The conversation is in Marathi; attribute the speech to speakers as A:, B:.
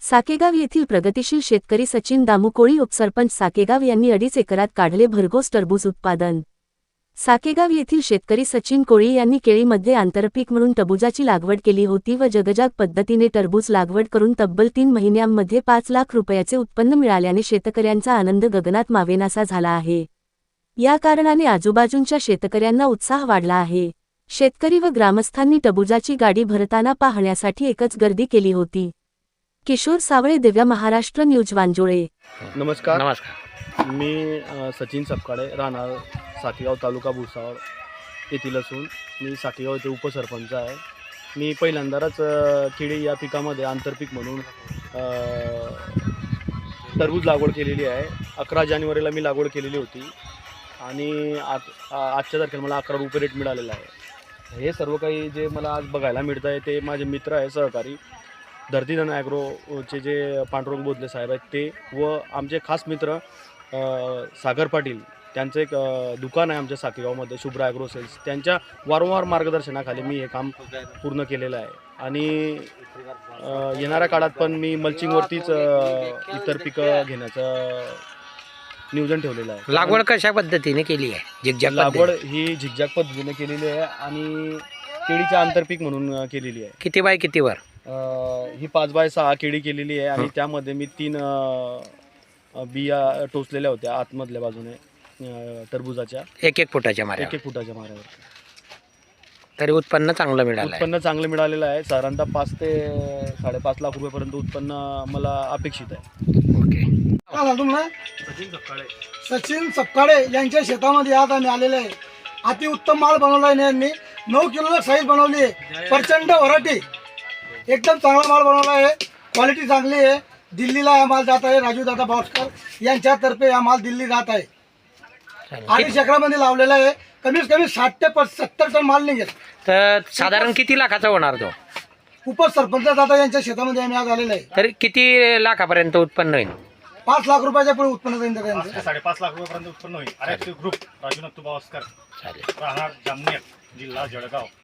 A: साकेगाव येथील प्रगतिशील शेतकरी सचिन दामू कोळी उपसरपंच साकेगाव यांनी 2.5 एकरात काढले भरघोस टरबूज उत्पादन। साकेगाव येथील शेतकरी सचिन कोळी यांनी केळीमध्ये आंतरपीक म्हणून टरबूजाची लागवड केली होती व जगजाग पद्धतीने टरबूज लागवड करून तब्बल 3 महिन्यांमध्ये 5 लाख रुपयाचे उत्पन्न मिळाल्याने शेतकऱ्यांचा आनंद गगनात मावेनासा झाला आहे। या कारणाने आजूबाजूंच्या शेतकऱ्यांना उत्साह वाढला आहे। शेतकरी व ग्रामस्थांनी टरबूजाची गाडी भरताना पाहण्यासाठी एकच गर्दी केली होती। किशोर सावळे, दिव्य महाराष्ट्र न्यूज, वांजोळे।
B: नमस्कार। मी सचिन सपकाळे, राहणार साकेगाव, तालुका भुसावळ येथील असून मी साकेगाव येथे उपसरपंच आहे। मी पहिल्यांदाच केळी या पिकामध्ये आंतरपीक म्हणून टरबूज लागवड केलेली आहे। 11 जानेवारीला मी लागवड केलेली होती आणि आजच्या तारखेला मला 11 रुपये रेट मिळालेला आहे। हे सर्व काही जे मला आज बघायला मिळतं आहे ते माझे मित्र आहे, सहकारी धरतीधन ॲग्रोचे जे पांडुरंग बोधले साहेब आहेत ते, व आमचे खास मित्र सागर पाटील, त्यांचं एक दुकान आहे आमच्या साकेगावमध्ये, शुभ्रा ॲग्रो सेल्स। त्यांच्या वारंवार मार्गदर्शनाखाली मी हे काम पूर्ण केलेलं आहे आणि येणाऱ्या काळात पण मी मल्चिंगवरतीच इतर पिकं घेण्याचं नियोजन ठेवलेलं आहे।
C: लागवड कशा पद्धतीने केली आहे? झिगझॅग
B: लागवड ही झिगझॅग पद्धतीने केलेली आहे आणि केळीचं आंतरपीक म्हणून केलेली आहे।
C: किती बाय कितीवर?
B: ही 5 बाय 6 केळी केलेली आहे आणि त्यामध्ये मी 3 बिया टोचलेल्या होत्या आतमधल्या बाजूने टरबूजाच्या,
C: 1-1 फुटाच्या माऱ्यावर।
B: 1-1 फुटाच्या माऱ्यावर।
C: तरी उत्पन्न चांगलं मिळालं?
B: उत्पन्न चांगलं मिळालेलं आहे। साधारणतः 5 ते 5.5 लाख रुपयापर्यंत उत्पन्न मला अपेक्षित आहे।
C: ओके।
D: सचिन सपकाळे यांच्या शेतामध्ये आज आम्ही आलेले आहे। अतिउत्तम माल बनवला आहे यांनी, 9 किलो साईज बनवली आहे। प्रचंड व्हरायटी, एकदम चांगला माल बनवला आहे, क्वालिटी चांगली आहे। दिल्लीला हा माल जात आहे, राजू दादा भास्कर यांच्यातर्फे हा माल दिल्ली जात आहे। 2.5 एकरामध्ये लावलेला आहे, कमीत कमी 60 ते 70 टन माल निघेल।
C: तर साधारण किती लाखाचा होणार तो?
D: उपसरपंच दादा यांच्या शेतामध्ये आम्ही आज आलेलो आहे।
C: तर किती लाखापर्यंत उत्पन्न होईल?
D: 5 लाख रुपयाच्या पुढे उत्पन्न जाईल त्यांचं।
E: 5.5 लाख रुपयापर्यंत उत्पन्न होईल। ग्रुप राजू भास्कर, राहणार जामनेर, जिल्हा जळगाव।